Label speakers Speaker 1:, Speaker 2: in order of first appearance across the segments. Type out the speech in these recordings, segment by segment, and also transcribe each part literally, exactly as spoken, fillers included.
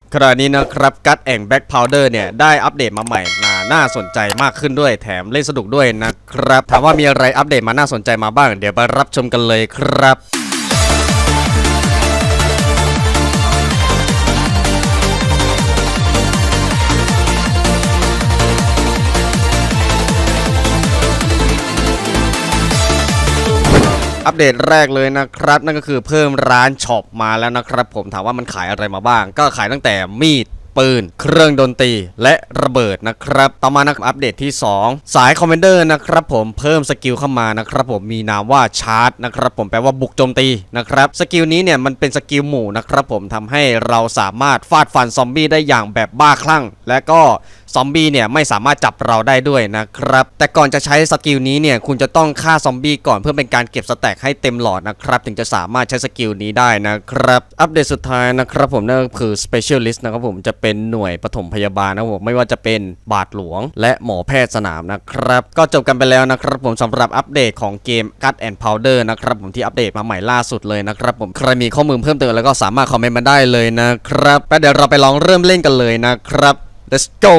Speaker 1: ขณะนี้นะครับกัดแองแบ็กพาวเดอร์เนี่ยได้อัปเดตมาใหม่น่าน่าสนใจมากขึ้นด้วยแถมเล่นสนุกด้วยนะครับถามว่ามีอะไรอัปเดตมาน่าสนใจมาบ้างเดี๋ยวไปรับชมกันเลยครับอัปเดตแรกเลยนะครับนั่นก็คือเพิ่มร้านช็อปมาแล้วนะครับผมถามว่ามันขายอะไรมาบ้างก็ขายตั้งแต่มีดปืนเครื่องดนตรีและระเบิดนะครับต่อมานะครับอัปเดตที่สองสายคอมเมนเดอร์นะครับผมเพิ่มสกิลเข้ามานะครับผมมีนามว่าชาร์จนะครับผมแปลว่าบุกโจมตีนะครับสกิลนี้เนี่ยมันเป็นสกิลหมู่นะครับผมทำให้เราสามารถฟาดฟันซอมบี้ได้อย่างแบบบ้าคลั่งและก็ซอมบี้เนี่ยไม่สามารถจับเราได้ด้วยนะครับแต่ก่อนจะใช้สกิลนี้เนี่ยคุณจะต้องฆ่าซอมบี้ก่อนเพื่อเป็นการเก็บสแต็กให้เต็มหลอดนะครับถึงจะสามารถใช้สกิลนี้ได้นะครับอัปเดตสุดท้ายนะครับผมนั่นก็คือ Specialist นะครับผมจะเป็นหน่วยปฐมพยาบาลนะครับผมไม่ว่าจะเป็นบาทหลวงและหมอแพทย์สนามนะครับก็จบกันไปแล้วนะครับผมสำหรับอัปเดตของเกม Cut and Powder นะครับผมที่อัปเดตมาใหม่ล่าสุดเลยนะครับผมใครมีข้อมูลเพิ่มเติมแล้วก็สามารถคอมเมนต์มาได้เลยนะครับแล้วเดี๋ยวเราไปลองเริ่มเล่นกันเลยนะครับ let's go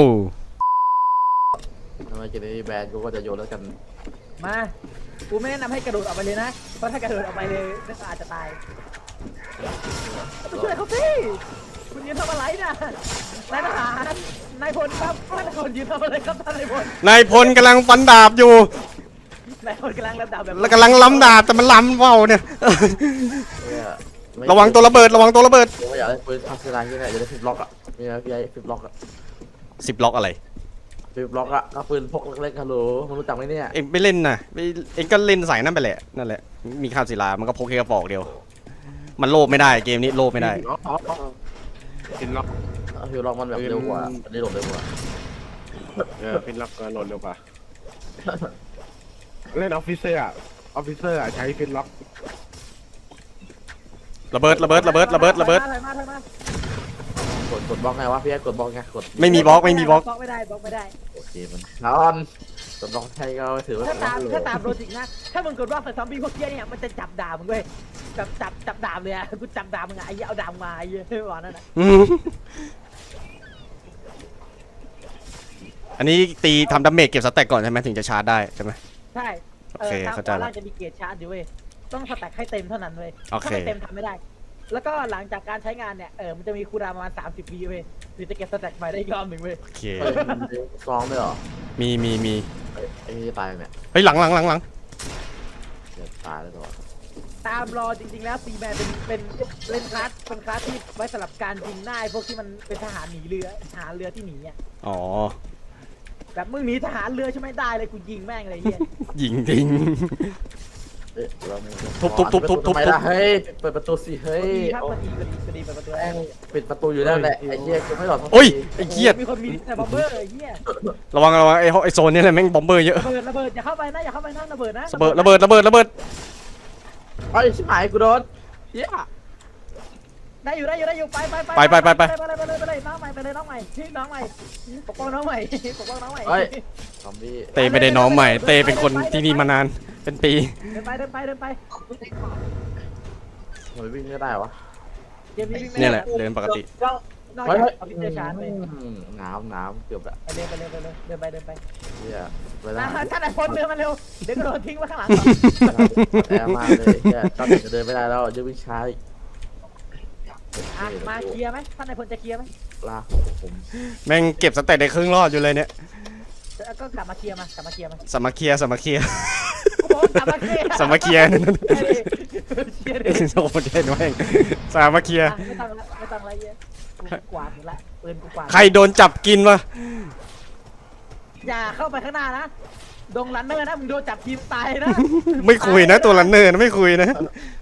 Speaker 2: ทำไมกินในแบรนด์กูก็จะโยนแล้วกัน
Speaker 3: มา กูไม่แนะนำให้กระโดดออกไปเลยนะ เพราะถ้ากระโดดออกไปเลยนักอาจจะตายไปช่วยเขาสิคุณยืนทำอะไรน่ะนายทหารนายพลครับท่านนายพลยืนทำอะไรครับท่านนายพล
Speaker 1: นายพลกำลังฟันดาบอยู่
Speaker 3: นายพลกำลังรับดาบแบบ
Speaker 1: แล้วกำลังล้ำดาบแต่มันล้ำเว้าเนี่ย
Speaker 2: เนี่ยไม่
Speaker 1: ระวังตัวระเบิดระวังตัวระเบิด
Speaker 2: กูไม่อยากได้ปืนพัฒนาที่ไหนจะได้ฟิปล็อกอ่ะมีไหมพี่ไอ้ฟิปล็อกอ่ะ
Speaker 1: สิบล็อกอะไร
Speaker 2: ฟิปล็อกอ่ะก็ปืนพกเล็กๆฮัลโหลมึงรู้จักไหมเนี่ย
Speaker 1: เอ็งไม่เล่นนะไม่เอ็งก็เล่นใส่นั่นไปแหละนั่นแหละมีข้าวศิลามันก็พกแค่กระบอกเดียวมันโลภไม่ได้เกมนี้โลภไม่ได้
Speaker 2: อ๋ออ๋ออ๋อ
Speaker 4: พินล็อก
Speaker 2: ฟิปล็อกมันแบบเร็วกว่าอันนี้หลบเร็วกว่า
Speaker 4: เออพินล็อกก็โหลดเร็วกว่าเล่นออฟฟิเซอร์อะออฟฟิเซอร์อะใช้พินล็อก
Speaker 1: ระเบิดระเบิดระเบิดระเบิดระเบิด
Speaker 3: ถอยมาถอยมาก
Speaker 2: ดกดบล็อกไงวะพี่ไอ้กดบล็อกไงกด
Speaker 1: ไม่มีบล็อกไม่มีบล็อก
Speaker 3: บล็อกไม่ได้บล็อกไม่ได้
Speaker 2: โอเคมันนอนกดบล็อกใช่ก็ถือว่า
Speaker 3: ถ้าตามถ้าตามโลจิกนะ ถ้ามึงกดว่าใส่ซอมบี้พวกเกี้ยเนี่ยมันจะจับดาบมึงเว้ยจับจับจับดาบเลยอะกูจับดาบมึงอะไอ้เหี้ยเอาดาบมาไอ้เหี้ยไม่บอกนั่นน่ะ
Speaker 1: อืมอันนี้ตีทำดาเมจเก็บสแต็กก่อนใช่ไหมถึงจะชาร์จได้ใช่ไหม
Speaker 3: ใช่
Speaker 1: โอเคเข้าใจ
Speaker 3: ตาม
Speaker 1: ละ
Speaker 3: ล่างจะมีเกียร์ชาร์จอยู่เว้ยต้องสแต็กให้เต็มเท่านั้นเว้ย
Speaker 1: โอเค
Speaker 3: ถ้าไม่เต็มทำไม่ได้ แล้วก็หลังจากการใช้งานเนี่ยเออมันจะมีคูลดาวน์ประมาณสามสิบวิเว้ยหรือจะเก็บสแต็กใหม่ได้อีกรอบหนึ่งเว้ย
Speaker 1: โอเค
Speaker 2: เฮ้ยมันมีซองด้วยเหรอ
Speaker 1: มีมีมี
Speaker 2: เฮ้ยไอ้นี่จะตายเนี่ย
Speaker 1: เฮ้ยหลังหลังหลังหลัง
Speaker 2: เดี๋ยวตายแล้วตัว
Speaker 3: ตามรอจริงๆแล้วซีแมนเป็นเป็นเล่นคลาสเป็นคลาสที่ไว้สำหรับการยิงหน้าไอ้พวกที่มันเป็นทหารหนีเรือทหารเรือที่หนีอ่ะ
Speaker 1: อ๋อ
Speaker 3: แบบมึงหนีทหารเรือใช่ไหมได้เลยกูยิงแม่งเลยเฮีย
Speaker 1: ยิงทิ้ง
Speaker 2: เอ๊ะเรามี
Speaker 1: ทุบทุบทุบทุบทุบ
Speaker 2: ทำไมล่ะเฮ้ยเปิดประตูสิเฮ้ย
Speaker 3: ดีครับพอดีพอดีพอดีเปิดประตู
Speaker 2: แม่งปิดประตูอยู่นั่นแหละไอ้เหี้ยกูไม่หลอด
Speaker 1: โอ้ยไอ้เกียด
Speaker 3: มีคนมีแต่บอมเบอร์ไอ้เฮีย
Speaker 1: ระวังระวังไอ้ห้องไอ้โซนนี่แหละแม่งบอมเบอร์เยอะ
Speaker 3: ระเบิดระเบิดอย่าเข้าไปนะอย่าเข้าไปนะระเบิดนะ
Speaker 1: ระเบิดระเบิดระเบิดระเบิด
Speaker 2: ไอ้ชิบหายกูโดนเหี้ย
Speaker 3: ได้อยู่ได้อยู่ได้อยู่ไปไปไป
Speaker 1: ไปไปไปไป
Speaker 3: ไปเลยไปเลยไปเลยน้องใหม่ไปเลยน้องใหม่ชื่อน้องใหม่ปกป้องน้องใหม่ปกป้องน้องใหม่
Speaker 2: เฮ้ยซอมบี้
Speaker 1: เตไม่ได้น้องใหม่เตเป็นคนที่นี่มานานเป็นปี
Speaker 3: เดินไปเดินไปเดินไป
Speaker 2: มันวิ่งก็ได้วะ
Speaker 3: เกมนี้วิ่งไม่
Speaker 1: เนี่ย
Speaker 3: ได้
Speaker 1: แหละเดินปกติ
Speaker 3: นอก
Speaker 2: เฮ้ย
Speaker 3: จากเอาพิเศษชาร์จไป
Speaker 2: หนาวหนาวเกือบละ
Speaker 3: ไปเลยไปเลยไปเลยเดินไปเดินไป
Speaker 2: เหี้ยเวลา
Speaker 3: อ่ะท่านไอ้พลเดินมาเร็วเดี๋ยวก็โดนทิ้งไว้ข้างหลัง
Speaker 2: แอร์มากเลยเหี้ยตอนนี้จะเดินไม่ได้แล้วจะวิ่งช้าอีก
Speaker 3: อ่ะมาเคลียร์ไหมท่านไอ้พลจะเคลียร์ไหม
Speaker 2: ลากของผม
Speaker 1: แม่งเก็บสแต็กได้ครึ่งรอดอยู่เลยเนี่ย
Speaker 3: แล้วก็กลับมาเคลียร์มากลับมาเคลียร์มา
Speaker 1: สามัคคีสามัคคี
Speaker 3: โอ้โหกลับมาเคลียร์
Speaker 1: สามัคคี นั่นนั่น
Speaker 3: เคลียร์ดิ
Speaker 1: โอ้โหเด่นแม่งสามัคคี
Speaker 3: อ่ะไม่ต้องละไม่ต้องละเยอะกูกวาดหมดละปืนกูกวาด
Speaker 1: ใครโดนจับกินวะ
Speaker 3: อย่าเข้าไปข้างหน้านะดงรันเนอร์นะมึงโดนจับทีมตายนะ
Speaker 1: ไม่คุยนะตัวรันเนอร์นะไม่คุยนะ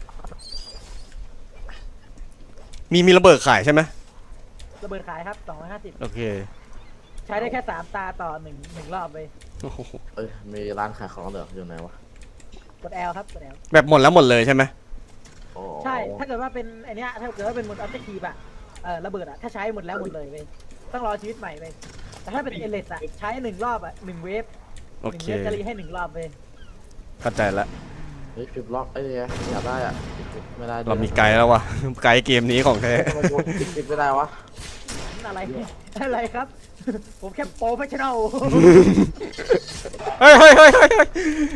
Speaker 1: มีมีระเบิดขายใช่ไหม
Speaker 3: ระเบิดขายครับสองร้อยห้าสิบ
Speaker 1: โอเค
Speaker 3: ใช้ได้แค่สามตาต่อหนึ่งหนึ่งรอบเลย
Speaker 1: โอ้โห
Speaker 2: เอ้ยมีร้านขายของเหรออยู่ไหนวะ
Speaker 3: กด L ครับกด L
Speaker 1: แบบหมดแล้วหมดเลยใช่ไหม
Speaker 2: โอ้
Speaker 3: ใช่ ถ้าเกิดว่าเป็นไอเนี้ยถ้าเกิดว่าเป็นหมดออบเจกตีฟอะเออระเบิดอะถ้าใช้หมดแล้วหมดเลยเว้ยต้องรอชีวิตใหม่เว้ยแต่ถ้าเป็นเอเลสอะใช้หนึ่งรอบอะหนึ่งเวฟ
Speaker 1: โอ
Speaker 3: หนึ่ง
Speaker 1: เค
Speaker 3: เวฟจะรีให้หนึ่งรอบเว้ย
Speaker 1: เข้าใจละ
Speaker 2: เฮ้ยฟิปล็อกไอ้เนี่ยอยากได้อ่ะไม่ได้
Speaker 1: เรามีไกด์แล้ววะไกด์เกมนี้ของแท้
Speaker 2: ทำไมกูปิดไม่ได้วะ
Speaker 3: อะไรอะไรครับ ผมแค่โปรเฟชชั่นอล
Speaker 1: เฮ้ยเฮ้ยเฮ้ยเฮ้ยเฮ้ย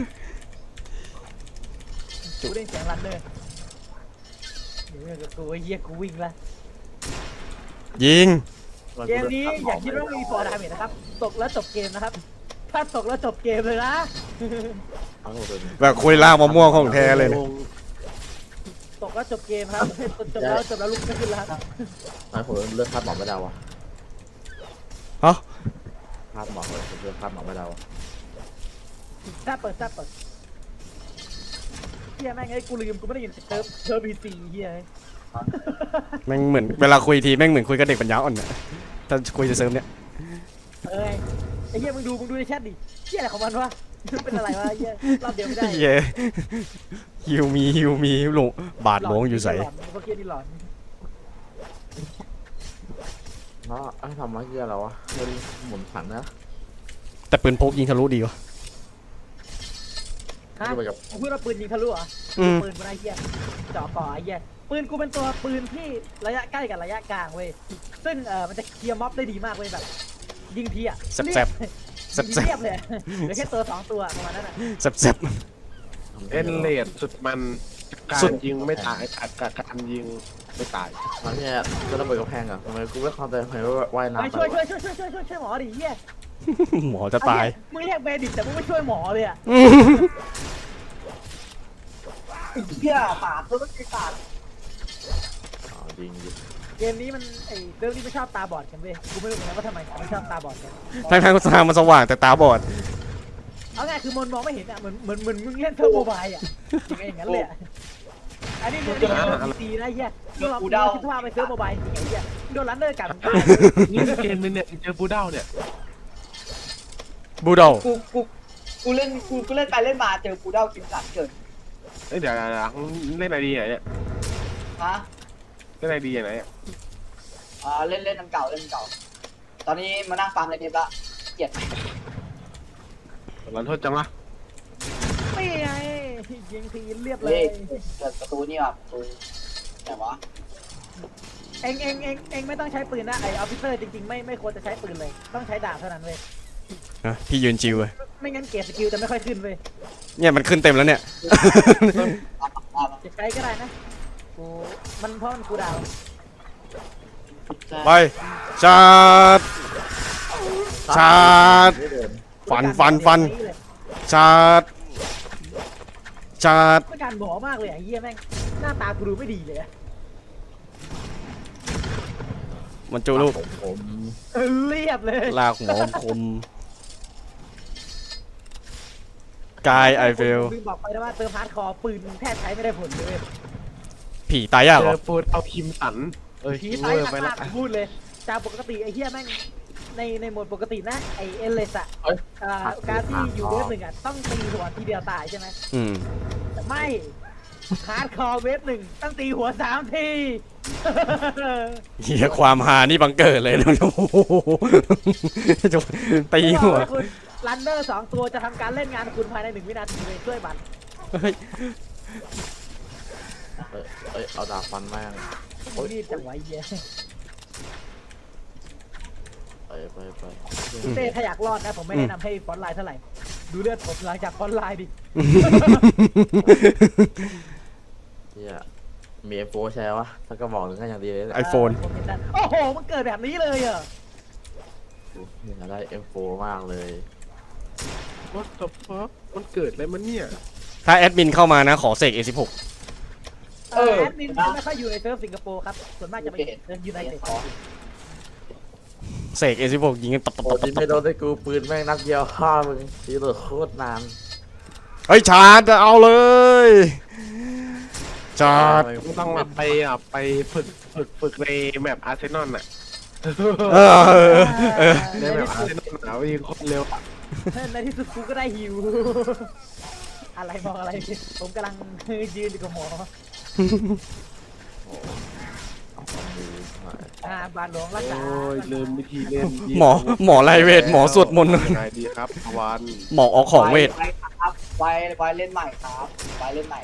Speaker 3: กูได้เสียงรันเนอร์เดี๋ยวกับกูไอ้เหี้ยกูวิ่งละ
Speaker 1: ยิง
Speaker 3: เกมนี้อย่าคิดว่ามีฟอร์ดาเมจนะครับตกแล้วจบเกมนะครับถ้าตกแล้วจบเกมเลยนะ
Speaker 2: เอาหมดเลย
Speaker 1: แบบคุยล่างมะม่วงของแท้เลยนะ
Speaker 3: ตกแล้วจบเกมครับจบแล้วจบแล้วลุกไม่ขึ้นแล้วครับ
Speaker 2: ไอ้ผมเลือกคาดหมอกไม่ได้วะ
Speaker 1: ฮะ
Speaker 2: คาดหมอกเลยผมเลือกคาดหมอกไม่ได้วะ
Speaker 3: ถ้าเปิดถ้าเปิดเฮียแม่งไอ้กูลืมกูไม่ได้ยินเติร์ฟเติร์ฟบีซีเฮีย
Speaker 1: แม่งเหมือนเวลาคุยทีแม่งเหมือนคุยกับเด็กปัญญาอ่อนอะถ้าคุยจะเสริมเนี่ย
Speaker 3: เอ้ยไอ้เฮียมึงดูมึงดูในแชทดิเฮียอะไรของมันวะเป็นอะไรวะเฮียรอบเดียวไม่ได้
Speaker 1: เย้ฮิวมีฮิวมีหลงบาดหลวงอยู่ใส่
Speaker 3: หลอนพวกเฮียนี่หลอน
Speaker 2: เนาะไอ้ทำมาเกียอะไรวะเฮ้ยหมุนผันนะ
Speaker 1: แต่ปืนพกยิงทะลุดีวะ
Speaker 3: ฮะ
Speaker 2: ไปกับ
Speaker 3: กูพูดว่าปืนยิงทะลุเหรอ
Speaker 1: อืม
Speaker 3: ปืนกูได้เฮียเจาะก่อไอ้เฮียปืนกูเป็นตัวปืนที่ระยะใกล้กับระยะกลางเว้ยซึ่งเออมันจะเคลียร์ม็อบได้ดีมากเว้ยแบบยิงทีอ่ะ
Speaker 1: แซ่บแซ่บแซ่บ
Speaker 3: ยิง
Speaker 1: แซ่บ
Speaker 3: เรียบเลยเหลือแค่ตัวสองตัวประมาณนั้นอ่ะ
Speaker 1: แซ่บแซ่บ
Speaker 4: เอ็นเลดสุดมันการ
Speaker 1: สุด
Speaker 4: ยิงไม่ตายการการการยิงไม่ตาย
Speaker 2: มันเนี่ยก็ระเบิดกระแพงอ่ะทำไมกูไม่เข้าใจทำไมว่าว่าย
Speaker 3: ไป
Speaker 2: น้ำ
Speaker 3: ช่วยช่วยช่วยช่วยช่วยช่วยช่วยหมอดิเฮีย
Speaker 1: หมอจะตาย
Speaker 3: มึงเรียกเบดิตแต่มึงไม่ช่วยหมอเลยอ่ะเฮียปาดตัวต้องปาด
Speaker 2: อ๋อจริงจริง
Speaker 3: เกมนี้มันไอ้เรื่องนี้ไม่ชอบตาบอดกันเว้ยกูไม่รู้เหมือนกันว่าทำไมเขาไม่ชอบตาบอดกัน
Speaker 1: ทางทางทางมันสว่างแต่ตาบอด
Speaker 3: เอาง่ายคือมนมองไม่เห็นอ่ะเหมือนเหมือนเหมือนมึงเล่นเทอร์โมบายอ่ะยังไงอย่างนั้นเลยอ่ะอันนี้เรื่องนี้เป็นตีนะเฮียมึงลองคิดว่าไปเทอร์โมบายจริงไอ้เฮียโดนรันเนอร์กัด
Speaker 4: นี่เกมนึงเนี่ยเจอบูด้าเนี่ย
Speaker 1: บูโด
Speaker 5: กูกูกูเล่นกูกูเล่นไปเล่นมาเจอกูเด้ากินสัตว์เกิด
Speaker 4: เอ้ยเดี๋ยวเดี๋ยวเดี๋ยวเล่นไอดีไหนเนี่ย
Speaker 5: ฮะ
Speaker 4: เล่นไอดีไหนเนี่ย
Speaker 5: อ่าเล่นเล่นน้ำเก่าเล่นน้ำเก่า ตอนนี้มานั่งฟาร์มในเทปละเกลียด
Speaker 4: รันโทษจังวะ
Speaker 3: ไม่ไงยิงทีเรียบเล
Speaker 5: เล่
Speaker 3: ย
Speaker 5: เกิดประตูนี่ว่ะประตูแต่วะ
Speaker 3: เองเองเองเองไม่ต้องใช้ปืนนะไอออฟฟิเซอร์จริงๆไม่ไม่ควรจะใช้ปืนเลยต้องใช้ดาบเท่านั้นเว้ย
Speaker 1: นะพี่ยืนจิวเลย
Speaker 3: ไม่งั้นเกรดสกิลจะไม่ค่อยขึ้นเว้ย
Speaker 1: เนี่ยมันขึ้นเต็มแล้วเนี่ย
Speaker 5: อ่ะอ่ะ
Speaker 3: จะใช้ก็ได้นะกูมันเพราะมันกูดาว
Speaker 1: ไปชาร์จ ชาร์จ
Speaker 2: ไม่เดิน
Speaker 1: ฟันฟันฟัน ชาร์จชาร์จ
Speaker 3: ต้องการหมอมากเลยไอ้เหี้ยแม่งหน้าตากูดูไม่ดีเลยอะ
Speaker 1: มันจูลูก
Speaker 2: ผมผม
Speaker 3: เออเรียบเลย
Speaker 1: ลากหมอคมกายไอเฟล
Speaker 3: ลืมบอกไปนะว่าเติมฮาร์ดคอร์ปืนแทบใช้ไม่ได้ผลเลยเว้ย
Speaker 1: ผีตายยาก
Speaker 4: เจ
Speaker 1: เหรอ
Speaker 4: อปูดเอาคิมสันเอ้ย
Speaker 3: ผี
Speaker 4: เว
Speaker 3: ตาย
Speaker 4: อร์
Speaker 3: หนัก
Speaker 4: ไป
Speaker 3: มา
Speaker 4: ละ
Speaker 3: กพูดเลยจากปกติไอ้เหี้ยแม่งในในโหมดปกตินะไอเอเลสอะ
Speaker 2: เอ้ย
Speaker 3: อ่าการที่อยู่เวฟหนึ่งอะต้องตีหัวทีเดียวตายใช่ไหม
Speaker 1: อืม
Speaker 3: แต่ไม่ฮาร์ดคอร์เวฟหนึ่งต้องตีหัวสามที
Speaker 1: เฮียความหานี่บังเกิดเลยนะโอ้โหจะตีหัว
Speaker 3: บอกให้คุณรันเนอร์สองตัวจะทำการเล่นงานคุณภายในหนึ่งวินาทีเลยช่วยบัตร
Speaker 1: เฮ้ย
Speaker 2: เอ้ยเอ้ยเอาดาบฟันแม่ง
Speaker 3: โอ้ยรีบจังไวะไอ้เหี้ย
Speaker 2: ไปไปไป
Speaker 3: เต้ถ้าอยากรอดนะผมไม่แนะนำให้ฟอนต์ไลน์เท่าไหร่ดูเลือดผมหลังจากฟอนต์ไลน์ดิ
Speaker 2: เฮียมีเอฟโฟใช่ปะถ้าก็บอกหนึ่งก็อย่างดีเลย
Speaker 1: ไอโฟน
Speaker 3: ผมเห็นได้โอ้โหมันเกิดแบบนี้เลยเหรอ
Speaker 2: อยากได้เอฟโฟมากเลย
Speaker 4: What the fuck มันเกิดอะไรมันเนี่ย
Speaker 1: ถ้าแอดมินเข้ามานะ ขอเสก เอ สิบหก
Speaker 3: เออแอดมินจะไม่ค่อยอยู่ในเซิร์ฟสิงคโปร์ครับส่วนมากจะไปเซิร์ฟยูไนเต็ด
Speaker 1: เสก เอ สิบหกยิงกันตับตับ
Speaker 2: โอ้
Speaker 1: ตับ
Speaker 2: ยิง
Speaker 1: ตั
Speaker 2: ไม่
Speaker 1: บ
Speaker 2: โดนได้กูปืนแม่งนัดเดียวฆ่ามึงตีเหลือโคตรนาน
Speaker 1: เฮ้ยชาร์จเอาเลยชาร์จ
Speaker 4: ไม่ต้องมาไปอ่ะไปฝึกฝึกฝึกในแมปอาร์เซนอลน่ะ
Speaker 1: เออเออเออ
Speaker 4: ในแมปอาร์เซนอลหนาวยิงโคตรเร็วอ่ะ
Speaker 3: ในที่สุดกูก็ได้ฮิว อะไรมองอะไร ผมกำลังยืนอยู่กับหมอ
Speaker 2: เอาความดีหน่อย
Speaker 3: อ่าบาดหลวงรักษา
Speaker 4: โอ้ยลืมวิธีเล่น
Speaker 1: หมอหมอไรเวทหมอสวดมนต์
Speaker 4: ยังไงดีครับวัน
Speaker 1: หมอออกของเวท
Speaker 5: ไปครับไปไปเล่นใหม่ครับไปเล่นใหม่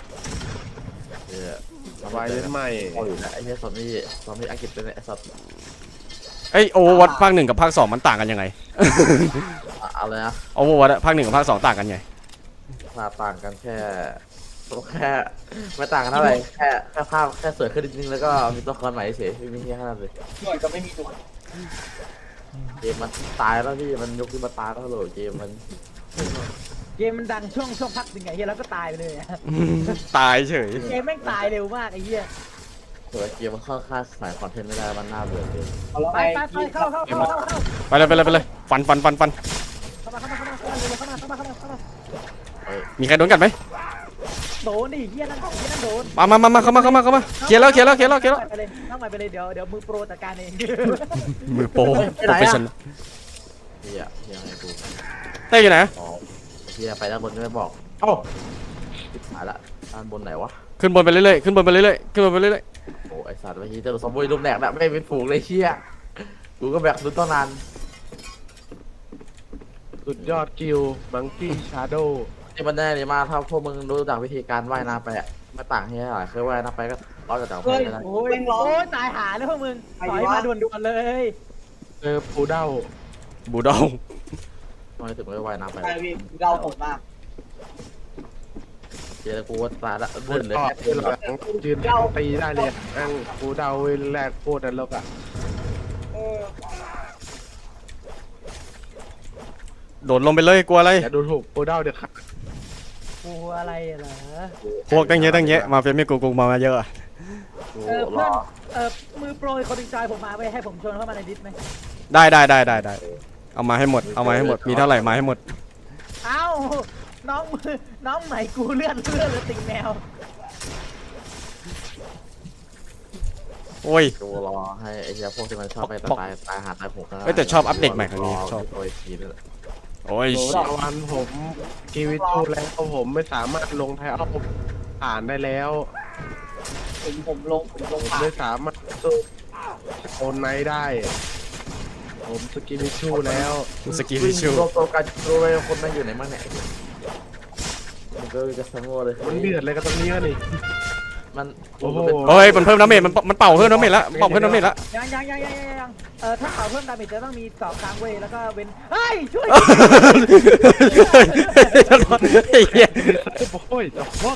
Speaker 2: เฮีย
Speaker 4: สบายเล่นใหม่
Speaker 2: โอ้ยนะไอ้เฮียสามีสามีอังกฤษเป็นไอ้สัตว์
Speaker 1: เอ้ยโอเวอร์วัตภาคหนึ่งกับภาคสองมันต่างกันยังไง
Speaker 2: อะอะไรนะ
Speaker 1: โอเวอร์วัตภาคหนึ่งกับภาคสองต่างกันไง
Speaker 2: ภาพต่างกันแค่แค่ไม่ต่างกันเท่าไหร่แค่แค่ภาพแค่สวยขึ้นนิดนึงแล้วก็มีตัวละครใหม่เฉยไม่มีแค่นั้นเลย
Speaker 5: หน่วยก็ไม่มีตัว
Speaker 2: เกมมันตายแล้วพี่มันยกขึ้นมาตายแล้วโหลเกมมัน
Speaker 3: เกมมันดังช่วงช่วงพักหนึ่งไงเฮียแล้วก็ตายไปเลยอะ
Speaker 1: ตายเฉย
Speaker 3: เกมแม่งตายเร็วมากไอ้เฮีย
Speaker 2: เผื่อเกมมันเข้าค่ายสายคอนเทนต์ไม่ได้มันน่าเบื่อเกิน
Speaker 5: เอาแล้ว
Speaker 3: ไป
Speaker 5: ไง
Speaker 3: ไปไปเข้าเข้าเข้าเข้าเข้า
Speaker 1: ไปเลยไปเลยไปเลยฟันฟันฟันฟัน
Speaker 3: เข้ามาเข้ามาเข้ามาเข้ามาเข้ามาเข้ามาเข้ามาเข้ามา
Speaker 2: เอ้ย
Speaker 1: มีใครโดนกัดไหม
Speaker 3: โดนดิเฮียนั่นเฮียนั่นโดน
Speaker 1: มามามามาเข้ามาเข้ามาเข้ามาเคลียร์แล้วเคลียร์แล้วเคลียร์แล้วเคลียร์แล้ว
Speaker 3: ไปเลยน้องใหม่ไปเลยเดี๋ยวเดี๋ยวมือโปรจัดการเอง
Speaker 1: มือโปรโปรเฟชชั่น
Speaker 2: เฮียเฮียไงกู
Speaker 1: เต้อยู่ไหน
Speaker 2: อ๋อเฮียไปด้านบนก็ไม่บอกเอ้าทิพหายละด้านบนไหนวะ
Speaker 1: ขึ้นบนไปเรื่อยๆขึ้นบนไปเรื่อยๆขึ้นบนไปเรื่อย
Speaker 2: โอ้ไอสัตว์เมื่อกี้เจอซอมบี้รูปแหลกนะไม่เป็นฝูงเลยเชี่ยกูก็แบกลุ้นตั้งนาน
Speaker 4: สุดยอดกิลมังกี้ชาโด
Speaker 2: ที่มันได้เลยมากถ้าพวกมึงรู้จักวิธีการว่ายน้ำไปอะไม่ต่างที่เท่าไหร่เคยว่ายน้ำไปก็รอดจากจาก
Speaker 5: เฮ้ย
Speaker 2: ไม่ได้
Speaker 3: โอ้ยโอ้ยตายหาเลยพวกมึงถอยมาด่วนๆเลย
Speaker 4: เจอปูเด้า
Speaker 1: ๆบูดอง
Speaker 2: ทำไมถึงไม่ว่ายน้ำไป
Speaker 5: ใช่พี่เราผมมาก
Speaker 2: เจอกูว่าตายละ
Speaker 4: บ
Speaker 2: เลื่อน
Speaker 4: น
Speaker 2: เลย
Speaker 4: ต่อ
Speaker 2: แค่
Speaker 4: ห
Speaker 2: เลื่อน
Speaker 4: ลังยืนตีได้เลยนั่งปูเด้าแรกโคตรนรกอ่ะ
Speaker 5: เออ
Speaker 1: โดดลงไปเลยกลัวอะไร
Speaker 4: อย่าดูถูกปูเด้าเด็ดขาด
Speaker 3: กูอะไรเหรอ
Speaker 1: พวกตั้งเยอะตั้งเยอะมาเป็นไม่กูกูมามาเยอะอะ
Speaker 2: กู
Speaker 3: เออ
Speaker 2: ร
Speaker 3: เพื่อ
Speaker 2: อน
Speaker 3: เออมือโปรยคนดึงจอยผมมาไปให้ผมชวนเข้ามาในดิสไหม
Speaker 1: ได้ได้ได้ได้ได้เอามาให้หมดเอามาให้หมดมีเท่าไหร่มาให้หมด
Speaker 3: เอ้าน้องมือน้องใหม่กูเลื่อนเลื่อนเลยติ่งแมว
Speaker 1: โอ้ย
Speaker 2: กูรอให้ไอ้เหี้ยพวกที่มันชอบไปตายตายหาตายหก
Speaker 1: เอ้ยแต่ชอบอัปเดตใหม่ครั้งนี้ชอบ
Speaker 2: โอ้ยทีนี่แหละ
Speaker 1: โอ้ย
Speaker 4: โดนวันผมกีวิทูแล้วผมไม่สามารถลงไทยเอาผ่านได้แล้ว
Speaker 5: ผมผมลงผมล
Speaker 4: ผ
Speaker 5: ง
Speaker 4: ม
Speaker 5: ผ่าน
Speaker 4: ไม่สามารถสู้โอนไนท์ได้ ผมสกิวิทูแล้ว
Speaker 1: สกิลทิชชู
Speaker 2: รวมตัวกันรู้ไหมคนนั่งอยู่ไหนบ้างเนี่ยมันก็จะสงบเลย
Speaker 4: มันเดือดเลยกับตรงนี้นี่
Speaker 2: มัน
Speaker 4: โอ้โห
Speaker 1: เฮ้ยมันเพิ่มดาเมจมันมันเป่าเพิ่มดาเมจละเป่าเพิ่มดาเมจละ
Speaker 3: ยังยังยังยังยังยังเออถ้าเป่าเพิ่มดาเมจจะต้องมีสองครั้งเว้ยแล้วก็เว้นเฮ้ยช่วย
Speaker 1: ไอ้เหี้ย
Speaker 4: โอ้ยแต่ว่า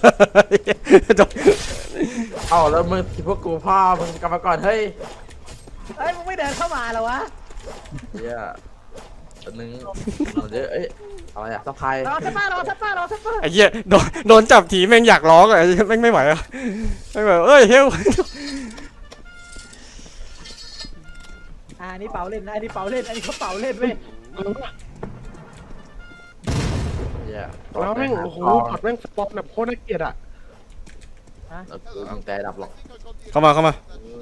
Speaker 2: เอ้าแล้วมึงคิดว่ากูพ่อมึงกลับมาก่อนเฮ้ย
Speaker 3: เฮ้ยมึงไม่เดินเข้ามาเหรอวะ
Speaker 2: เฮียอันนึงเอาเยอะเอ้ยอะไรอะสะพาย
Speaker 3: รอสักป้ารอสักป้ารอสักป้า
Speaker 1: ไอ้เหี้ยโดนโดนจับทีแม่งอยากร้องอะไอ้เหี้ยแม่งไม่ไหวอะไม่ไหวเอ้ยเฮล
Speaker 3: อ่านี่เป่าเล่นนะอันนี้เป่าเล่นอันนี้เขาเป่าเล่นเว้ย
Speaker 2: เฮีย
Speaker 4: แล้วแม่งโอ้โหพอดแม่งสปอตแบบโคตรน่าเกลียดอ่ะ
Speaker 2: แล้วกูมึงแต่ดับหรอก
Speaker 1: เข้ามาเข้ามา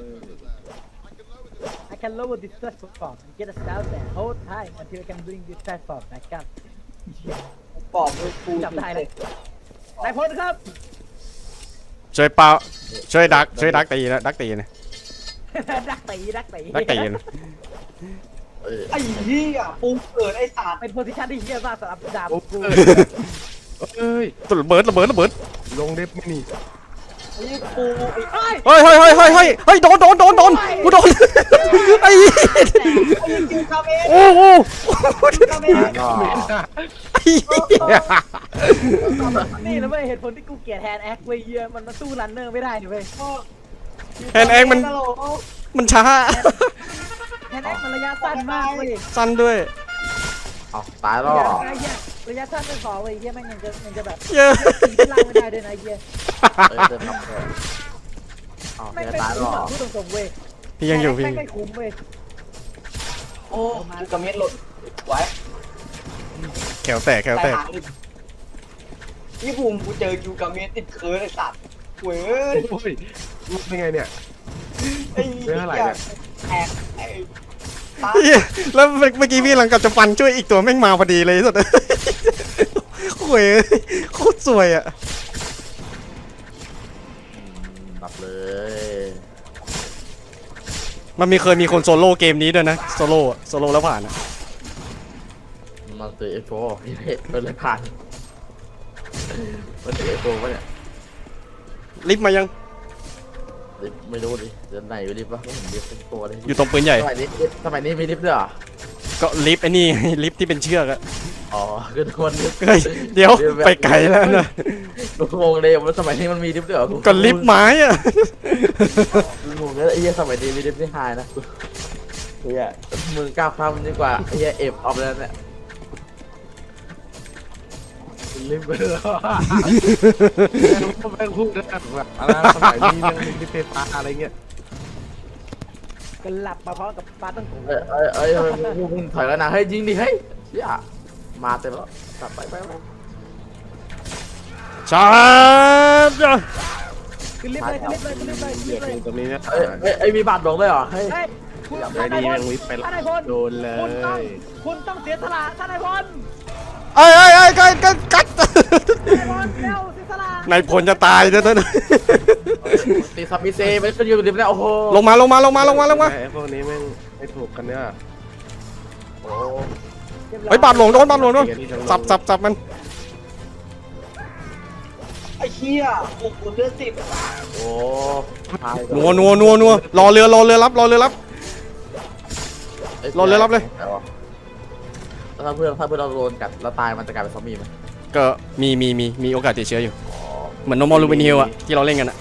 Speaker 3: I can lower this platform and get us down there hold time until I can bring this platform back up
Speaker 5: บอกเลยกู
Speaker 3: จับได้เลยนายพลครับ
Speaker 1: ช่วยเป่าช่วยดักช่วยดักตีนะดักตีนะ
Speaker 3: ดักตีดักตี
Speaker 1: ดักตีนะ
Speaker 2: เอ้ย
Speaker 5: ไอ้เหี้ยปูเกิดไอ้สัตว์
Speaker 3: เป็นโพสิชันที่เยี่ยมมากสำหรับดาบ
Speaker 4: โอ้
Speaker 3: กู
Speaker 4: เอ้ย
Speaker 1: ตุ่ระเบิดระเบิดระเบิด
Speaker 4: ลงเด็บไม่นี่
Speaker 5: ไอ้ปูไอ้
Speaker 3: เฮ้ย
Speaker 1: เฮ้ยเฮ้ยเฮ้ยเฮ้ยเฮ้ยเฮ้ยโดนโดนโดนโดนกูโดนไอ้เหี้ย
Speaker 5: ไอ้คิวคาเมน
Speaker 1: โอ้โห
Speaker 5: คาเมน
Speaker 2: ก็
Speaker 1: ไอ้เหี้ย
Speaker 3: นี่แล้วเว้ยเหตุผลที่กูเกลียดแฮนด์แอคเว้ยเยี่ยมันมาสู้รันเนอร์ไม่ได้นี่เว้ย
Speaker 1: แฮนด์แองมันมันช้า
Speaker 3: แฮนด์แอคมันระยะสั้นมากเว้ย
Speaker 1: สั้นด้วย
Speaker 2: เอาตายแล้ว
Speaker 3: ระยะเหี้ยระยะสั้นไม่พอเว้ยเยี่ยแม่งยังจะยังจะแบบ
Speaker 1: เยอะ
Speaker 3: ตีที่ล่างไม่ได้ด้วยนะเยี่ย
Speaker 2: เอ้ยเดินนับเลยเอา
Speaker 3: แม่ง
Speaker 2: เฮีย
Speaker 3: ไม่
Speaker 2: ตาย
Speaker 3: คุ้
Speaker 2: แล้
Speaker 3: ม
Speaker 2: ว
Speaker 3: อ่ะพูดตรงๆเว้ย
Speaker 1: พี่ยังอยู่พี่
Speaker 3: แม่งไม่คุ้มเว้ย
Speaker 5: โอ้คิวคาเมนหลุดไว้
Speaker 1: แขวแตกแขวแตก
Speaker 5: นี่บูมกูเจอคิวคาเมนติดเคิร์ดไอ้สัตว์เว้ย
Speaker 4: โอ้ยมันเป็นไงเนี่ย
Speaker 5: ไอ้
Speaker 4: เรื่องอะไรเนี่ย
Speaker 5: แอกไอ้ตา
Speaker 1: เหี้ยแล้วเมื่อกี้พี่หลังกับจะฟันช่วยอีกตัวแม่งมาพอดีเลยสุดโอ้ยโคตรสวยอ่ะ
Speaker 2: ดับเลย
Speaker 1: มันมีเคยมีคนโซโล่เกมนี้ด้วยนะโซโล่โซโล่แล้วผ่านอะ
Speaker 2: มันตือเอฟโฟพี่เด็กเลยผ่านมันตือเอฟโฟปะเนี่ย
Speaker 1: ลิฟต์มายัง
Speaker 2: รลิฟต์ไม่รู้ดิเดินไหนอยู่ลิฟต์วะไม่เห็นลิฟต์สักตัวเลย
Speaker 1: อยู่ตรงปืนใหญ่
Speaker 2: สมัยนี้สมัยนี้มีลิฟต์ด้วยเหรอ
Speaker 1: ก็ลิฟต์ไอ้นี่ ลิฟต์ที่เป็นเชือกอะ
Speaker 2: อ๋อคือทุกคนลิฟต์
Speaker 1: เฮ้ยเดี๋ยวไปไกลแล้วนะ
Speaker 2: กูงงเลยว่าสมัยนี้มันมีลิฟต์ด้วยเหรอ
Speaker 1: ก็ลิฟต์ไม้อะ
Speaker 2: กูงงเลยไอ้เหี้ยสมัยนี้มีลิฟต์ที่ไฮนะเฮียมึงก้าวข้ามมันดีกว่าไอ้เฮียเอฟออฟแล้วเนี่ย
Speaker 4: ลิฟต์ไปเลยแม่งพูดนะแบบอะไรสมัยนี้ยังมีลิฟต์ไฟฟ้าอะไรเงี้ย
Speaker 3: ก็หลับมาพร้อมกับปลาตั้งโก
Speaker 2: เอ้ยเอ้ยเอ้ยเอ้ยมึงมึงถอยแล้วนะเฮ้ยยิงดิเฮ้ยเฮียมาเต็มแล้วกลับไปไปไป
Speaker 1: ชาร์จ
Speaker 3: ขึ้นลิฟต์เลยขึ้นลิฟต์เลยขึ้นลิฟต์เลยขึ้น
Speaker 4: เห
Speaker 3: ลิ
Speaker 4: ยีย
Speaker 3: ฟ
Speaker 4: บ
Speaker 3: ต์เลย
Speaker 4: ตรงนี้นะ
Speaker 2: เอ้ยเอ้ยเอ้ยมีบาดหลงเลยเหรอเฮ้ย
Speaker 3: เฮ้ยคุณ
Speaker 4: อยาก
Speaker 3: ท่า
Speaker 4: ได้
Speaker 3: นาย
Speaker 4: ดี
Speaker 3: พล
Speaker 4: แม่งลิฟต์ไป
Speaker 3: ท่านนายพล
Speaker 4: โดนเล
Speaker 3: คุณต้อง
Speaker 4: ย
Speaker 3: คุณต้องเสียสละท่านนายพล
Speaker 1: เอ้ยเอ้ยเอ้ยกัดกัดกัด
Speaker 3: ท่านนายพลเร็วเสียสละ
Speaker 1: นายพลจะตายเด้อเด้อ
Speaker 2: ตีซับมิเซไม่ขึ้นอยู่กับลิฟต์แล้วโอ้โห
Speaker 1: ลงมาลงมาลงมาลงมาลงมา
Speaker 4: ไอ้พวกนี้แม่งไม่ถูกกันเนี่ย
Speaker 2: โอ้
Speaker 1: เฮ้ยบาดหลงโดนบาดหลงโดนสับสับสับมัน
Speaker 5: ไอ้เหี้ยโอ้โหเลือดสิบ
Speaker 2: โอ้ตาย
Speaker 1: นัวนัวนัวนัวรอเรือรอเรือรับรอเรือรับ
Speaker 2: อ้
Speaker 1: รอเลยรับเลย
Speaker 2: แล้วถ้าเพื่อนถ้าเพื่อนเราโดนกัดแล้วตายมันจะกลายเป็นซอมบี้ไหม
Speaker 1: ก็มีมีมีมีโอกาสติดเชื้ออยู่ เหมือนโนมอลูบินฮิลอะที่เราเล่นกันอะ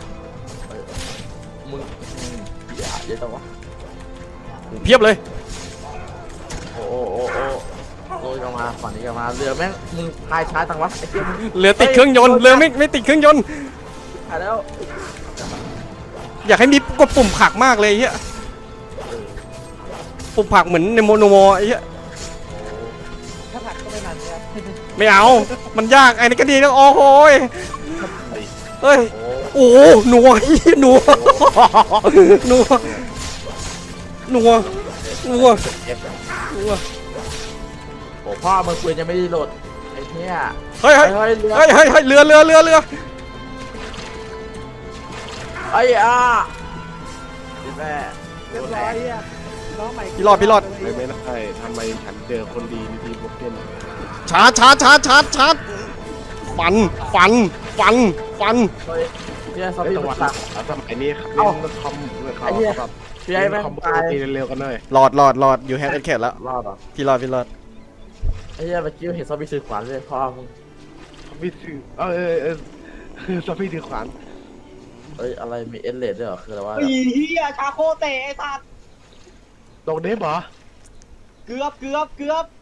Speaker 2: มึงอืมอย่าเยอะจังวะ
Speaker 1: เพียบเลย
Speaker 2: โอ้โอ้โอ้โอ้โอ้ยกันมาฝั่งนี้กันมาเรือแม่งมึงพายช้าจังวะไอ้เหี้ยมึง
Speaker 1: เรือติดเครื่องยนต์เรือไม่ไม่ติดเครื่องยนต์
Speaker 2: หายแล้ว
Speaker 1: อยากให้มีกดปุ่มผลักมากเลยไอ้เฮียปุ่มผลักเหมือนในโมโนโมไอ้เฮีย
Speaker 3: ถ้าผักก็ไม่มันครับ
Speaker 1: ไม่เอา มันยากไอ้นี่ก็ดีนะโอ้โหยเฮ้ย
Speaker 2: โอ้
Speaker 1: โอ้โหหนัวหนัวหนัวหนัวหนัว
Speaker 2: เจ็บจัง
Speaker 1: หนัว
Speaker 2: โอ้พ่อมึงปืนยังไม่ได้โหลดไอ้เหี้ย
Speaker 1: เฮ้ยเฮ้ย
Speaker 2: เฮ้ยเรือ
Speaker 1: เฮ้ยเฮ้ยเฮ้ยเรือเรือเรือเรือ
Speaker 2: ไอ้อ่ะพี่แม่
Speaker 3: เรียบร้อยอ่ะน้องใหม่
Speaker 1: พี่รอดพี่รอด
Speaker 4: ไม่ไม่ได้ทำไมฉันเจอคนดีในทีมโปเกมอน
Speaker 1: ชาร์จชาร์จชาร์จชาร์จชาร์จฟันฟันฟันฟัน
Speaker 2: เฮ้ยเนี่ยซอม
Speaker 4: ไอ้
Speaker 2: บี้
Speaker 4: ตะ
Speaker 2: มั
Speaker 4: วัน
Speaker 2: นตัก
Speaker 4: สมัยนี้ครับ
Speaker 2: เอ้า
Speaker 4: เล่นคอมเขา
Speaker 2: ไอ้เหี้ย
Speaker 4: แบบ
Speaker 2: พี่ไอ้แม่ง
Speaker 4: คอมโบ
Speaker 2: ตาย
Speaker 4: ตีเร็วๆกันหน่อย
Speaker 1: รอดรอดรอดอยู่แฮกเอ็ดเคดแล้ว
Speaker 2: รอดเหรอ
Speaker 1: พี่รอดพี่รอด
Speaker 2: ไอ้เหี้ยเมื่อกี้เห็นซอมบี้ถือขวานเลยพ่อมึง
Speaker 4: ซอมบี้ถือเออเออเออซอมบี้ถือขวาน
Speaker 2: เอ้ยอะไรมีเอสเลดด้วยเหรอคืออะไรวะ
Speaker 5: ไอ้เหี้ยชาโคเตะไอ้สัตว์
Speaker 4: ตรงเดฟเหรอ
Speaker 5: เกือบเกือบเกือบ